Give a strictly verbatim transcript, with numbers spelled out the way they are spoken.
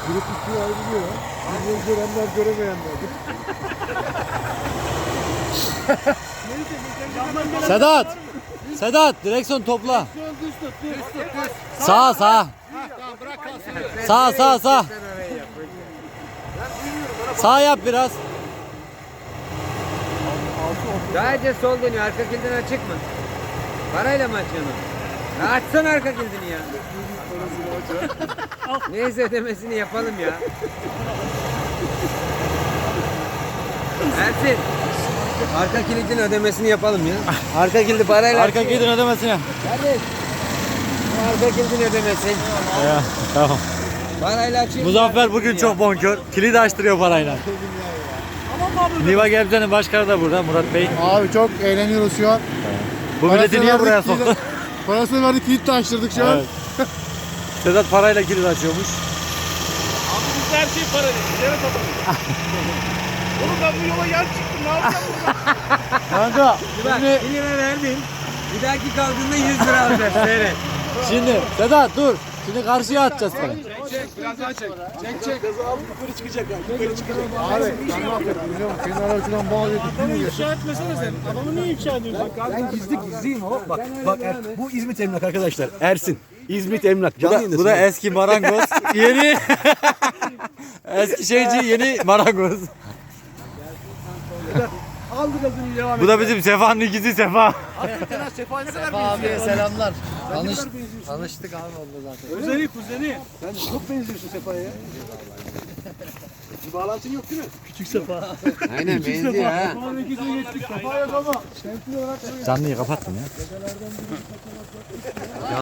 Grup ikiye ayrılıyor. Bizleri görenler göremeyenler. Sedat! Sedat direksiyon topla. Düz tut, düz tut, düz. Sağa sağa. Tamam bırak kalsın. Sağa sağa sağa. Sağ yap biraz. Sadece sol dönüyor. Arka kilidin açık mı? Parayla mı açıyorsun? Ya açsana arka kilidini ya. Neyse ödemesini yapalım ya. Ersin. Arka kilidin ödemesini yapalım ya. Arka kilidi parayla Arka gidin ödemesine. Kardeş. Bu arka kilidin ödemesi. Ya, tamam. Parayla açayım. Muzaffer bugün çok bonkör. Kilidi açtırıyor parayla. Niva Gebze'nin başkanı da burada Murat Bey. Abi çok eğleniyoruz şu an. Bu milleti niye buraya verdik, soktu? Parasını verdik, kilit de açtırdık şu an. Evet. Sedat parayla kilit açıyormuş. Abi biz her şey para değil. Yere tabanıyor. Oğlum ben bu yola yer çıktım. Ne yapacağım burada? Kanka Bak şimdi, bir lira verdin. Bir dahaki kaldığında yüz lira alacağız. Seyret. şimdi Sedat dur. Şimdi karşıya atacağız seni. Çek biraz daha çek. Çek çek. Gazı alıp yukarı çıkacak. Yukarı çıkacak. Abi ben ne yapayım biliyorum. Kenara uçuran bağlıyorduk. Adamı ifşa etmesene sen. Adamı niye ifşa ediyorsun? Ben gizli gizliyim ama bak bak er, bu İzmit Emlak arkadaşlar. Ersin. İzmit Emlak. Bu Canlı da, yayındasın. bu da eski marangoz. Yeni eski şeyci, yeni marangoz. Aldı gazını devam Bu da bizim Sefa'nın ikizi Sefa. et. Sefa'yı sever Abiye selamlar. Tanış, tanıştık abi orada zaten. Kuzeni kuzeni. Sen çok benziyorsun Sefa'ya ya. Bir bağlantın yok değil mi? Küçük Sefa. Aynen benziyor ha. Sefa yok ama. Canlıyı kapattım ya.